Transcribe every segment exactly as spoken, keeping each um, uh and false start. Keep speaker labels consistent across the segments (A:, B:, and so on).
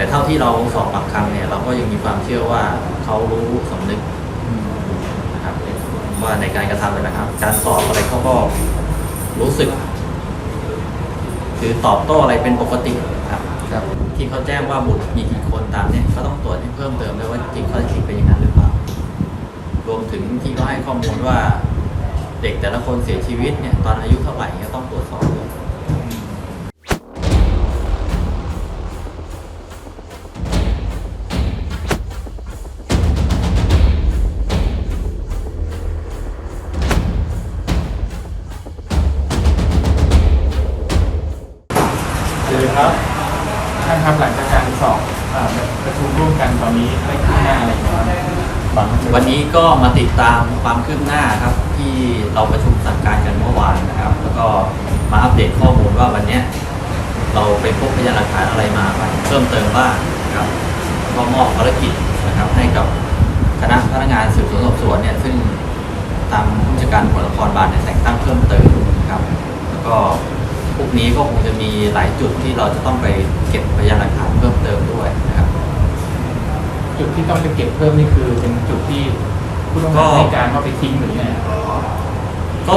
A: เท่าที่เราสอบปากคำเนี่ยเราก็ยังมีความเชื่อว่าเขารู้สำนึกนะครับว่าในการกระทำเลยนะครับการสอบอะไรเขาก็รู้สึกคือตอบโต้อะไรเป็นปกติครับครับที่เขาแจ้งว่าบุตรมีกี่คนตามเนี่ยก็ต้องตรวจให้เพิ่มเติมด้วยว่าจริงข้อเท็จจริงเป็นอย่างนั้นหรือเปล่ารวมถึงที่เขาให้ข้อมูลว่าเด็กแต่ละคนเสียชีวิตเนี่ยตอนอายุเท่าไหร่ก็ต้องตรวจสอบด้วย
B: เลยครับท่านครับหลังจากการสอบประชุมร่วมกันตอนนี้ได้คืบหน้าอะไรบ้าง
A: วันนี้ก็มาติดตามความคืบหน้าครับที่เราประชุมสั่งการกันเมื่อวานนะครับแล้วก็มาอัปเดตข้อมูลว่าวันนี้เราไปพบพยานหลักฐานอะไรมาเพิ่มเติมบ้างนะครับก็มอบภารกิจนะครับให้กับคณะพนักงานสืบสวนสอบสวนเนี่ยซึ่งตามผู้จัดการตำรวจนครบาลเนี่ยแต่งตั้งเพิ่มเติมนะครับแล้วก็พวกนี้ก็คงจะมีหลายจุดที่เราจะต้องไปเก็บพยานหลักฐานเพิ่มเติมด้วยนะครับ
B: จุดที่ต้องไปเก็บเพิ่มนี่คือเป็นจุดที่ผู้ต้องหาให้การว่าไปทิ้งหรือไง
A: ก็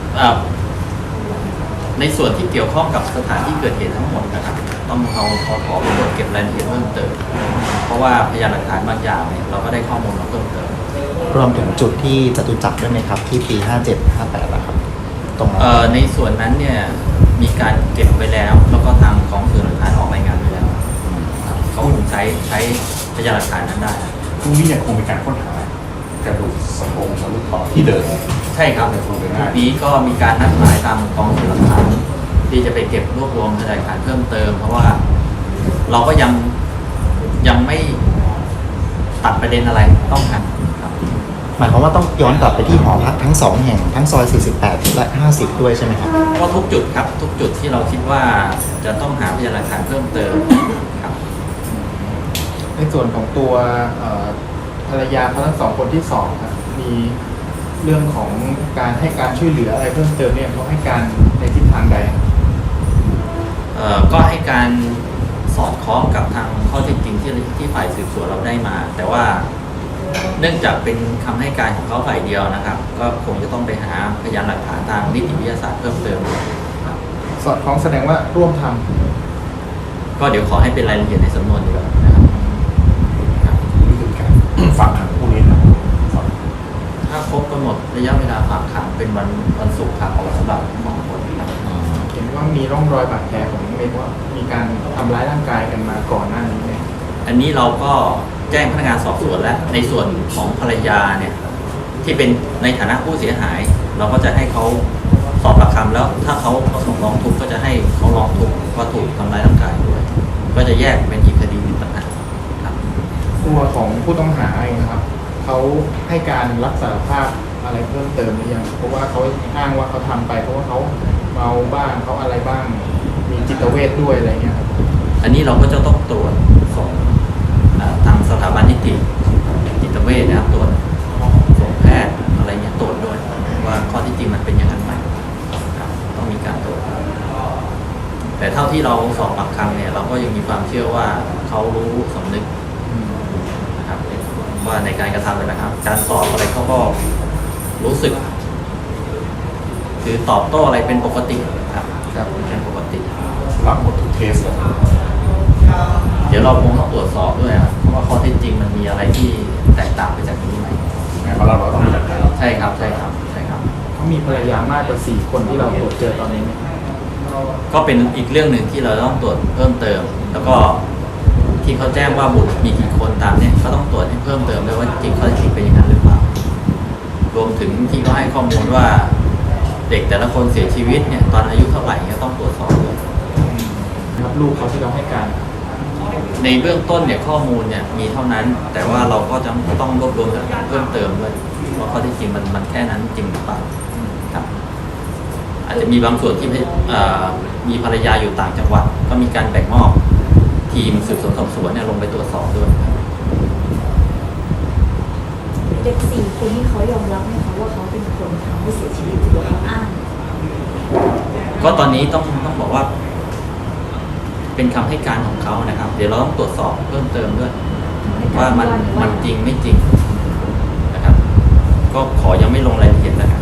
A: ในส่วนที่เกี่ยวข้องกับสถานที่เกิดเหตุทั้งหมดนะครับต้องเอาขอขอไปตรวจเก็บรายละเอียดเพิ่มเติมเพราะว่าพยานหลักฐานบางอย่างเนี่ยเราก็ได้ข้อมูลมาเพิ่มเติม
C: รวมถึงจุดที่จตุจักรด้วยไหมครับที่ปีห้าเจ็ด ห้าแปดนะครับ
A: ตรงนั้นในส่วนนั้นเนี่ยมีการเก็บไปแล้วแล้วก็ทางของสื่อหลักฐานออกรายงานไปแล้วเขาคงใช้ใช้พยานหลักฐานนั้นได้
D: พรุ่งนี้ยังคงเป็นการค้นหากระดูกสะโพกมนุษย์ต่อที่เดิม
A: ใช่ครับพรุ่งนี้ก็มีการนัดหมายตามกองสื่อหลักฐานที่จะไปเก็บรวบรวมพยานหลักฐานเพิ่มเติมเพราะว่าเราก็ยังยังไม่ตัดประเด็นอะไรต้องท
C: หมายความว่าต้องย้อนกลับไปที่หอพักทั้งสองแห่งทั้งซอยสี่สิบแปดและห้าสิบด้วยใช่ไหมครับ
A: ก็ทุกจุดครับทุกจุดที่เราคิดว่าจะต้องหาพยานหลักฐานเพิ่มเติมครับ
B: ในส่วนของตัวภรรยาทั้งสองคนที่สอบครับมีเรื่องของการให้การช่วยเหลืออะไรเพิ่มเติมเนี่ยเขาให้การในทิศทางใด
A: เอ่อก็ให้การสอดคล้องกับทางข้อเท็จจริงที่ที่ฝ่ายสืบสวนเราได้มาแต่ว่าเนื่องจากเป็นคำให้การของเขาฝ่ายเดียวนะครับก็คงจะต้องไปหาพยานหลักฐานทางนิติวิทยาศาสตร์เพิ่มเติม
B: สอดคล้องแสดงว่าร่วมทำ
A: ก็เดี๋ยวขอให้เป็นรายละเอียดในสำนวนดีกว่านะครับ
D: นี่คือการฝากขังผู้นี้นะ
A: ถ้าครบกำหนดระยะเวลาฝากขังเป็นวันวันศุกร์ครับออกสำหรับสองคนครับ
B: เห็นว่ามีร่องรอยบาดแผลของเมย์ว่ามีการทำร้ายร่างกายกันมาก่อนหน้านี้ไหม
A: อันนี้เราก็แจ้งพนักงานสอบสวนแล้วในส่วนของภรรยาเนี่ยที่เป็นในฐานะผู้เสียหายเราก็จะให้เขาสอบปากคำแล้วถ้าเขาประสงค์ร้องทุกข์ก็จะให้เขาร้องทุกข์ว่าถูกทำร้ายร่างกายด้วยก็จะแยกเป็นอีกคดีหนึ่งต่างหากครับ
B: ตัวของผู้ต้องหาเองนะครับเขาให้การรับสารภาพอะไรเพิ่มเติมหรือยังเพราะว่าเขาอ้างว่าเขาทำไปเพราะว่าเขาเมาบ้างเขาอะไรบ้างมีจิตเวชด้วยอะไรเงี้ยครับ
A: อันนี้เราก็จะต้องตรวจส่งทางสถาบันนิติจิตเวชนะครับตรวจส่งแพทย์อะไรเงี้ยตรวจด้วยว่าข้อที่จริงมันเป็นอย่างนั้นไหมต้องมีการตรวจแต่เท่าที่เราสอบปากคำเนี่ยเราก็ยังมีความเชื่อว่าเขารู้สำนึกนะครับว่าในการกระทำเลยนะครับการสอบอะไรเขาก็รู้สึกคือตอบโต้อะไรเป็นปกติครับครับเป็นปกติ
D: รับหมดทุกเคสเลย
A: เดี๋ยวเราคงต้องตรวจสอบด้วยครับเพราะว่าข้อเท็จจริงมันมีอะไรที่แตกต่างไปจากนี้ไหม
D: เพราะเราเราต้องมีหลักฐาน
A: ใช่ครับใช่ครับใช่ครับ
B: เขามีภรรยามากกว่าสี่คนที่เราตรวจเจอตอนนี้
A: ก็เป็นอีกเรื่องหนึ่งที่เราต้องตรวจเพิ่มเติมแล้วก็ที่เขาแจ้งว่าบุตรมีกี่คนตามเนี่ยก็ต้องตรวจให้เพิ่มเติมด้วยว่าจริงข้อเท็จจริงเป็นอย่างนั้นหรือเปล่ารวมถึงที่เขาให้ข้อมูลว่าเด็กแต่ละคนเสียชีวิตเนี่ยตอนอายุเท่าไหร่ก็ต้องตรวจสอบด้วย
B: ครับลูกเขาที่เราให้การ
A: ในเบื้องต้นเนี่ยข้อมูลเนี่ยมีเท่านั้นแต่ว่าเราก็จะต้องรวบรวมหลักฐานเพิ่มเติมด้วยว่าข้อที่จริงมันมันแค่นั้นจริงหรือเปล่าครับอาจจะมีบางส่วนที่มีภรรยาอยู่ต่างจังหวัดก็มีการแบ่งมอบทีมสืบสวนสอบสวนเนี่ยลงไปตรวจสอบด้วย
E: เด็กสี่คนที่เขายอมรับไหมคะว่าเขาเป็นคนทำให้เสียชีวิตหรือว่าเขาอ้าง
A: ก็ตอนนี้ต้องต้องบอกว่าเป็นคำให้การของเขานะครับ เดี๋ยวเราต้องตรวจสอบเพิ่มเติมด้วย
E: ให้กร
A: ว่ามัน
E: ว่า
A: มันจริงไม่จริงนะครับ ก็ขอยังไม่ลงรายละเอียดแล้วกัน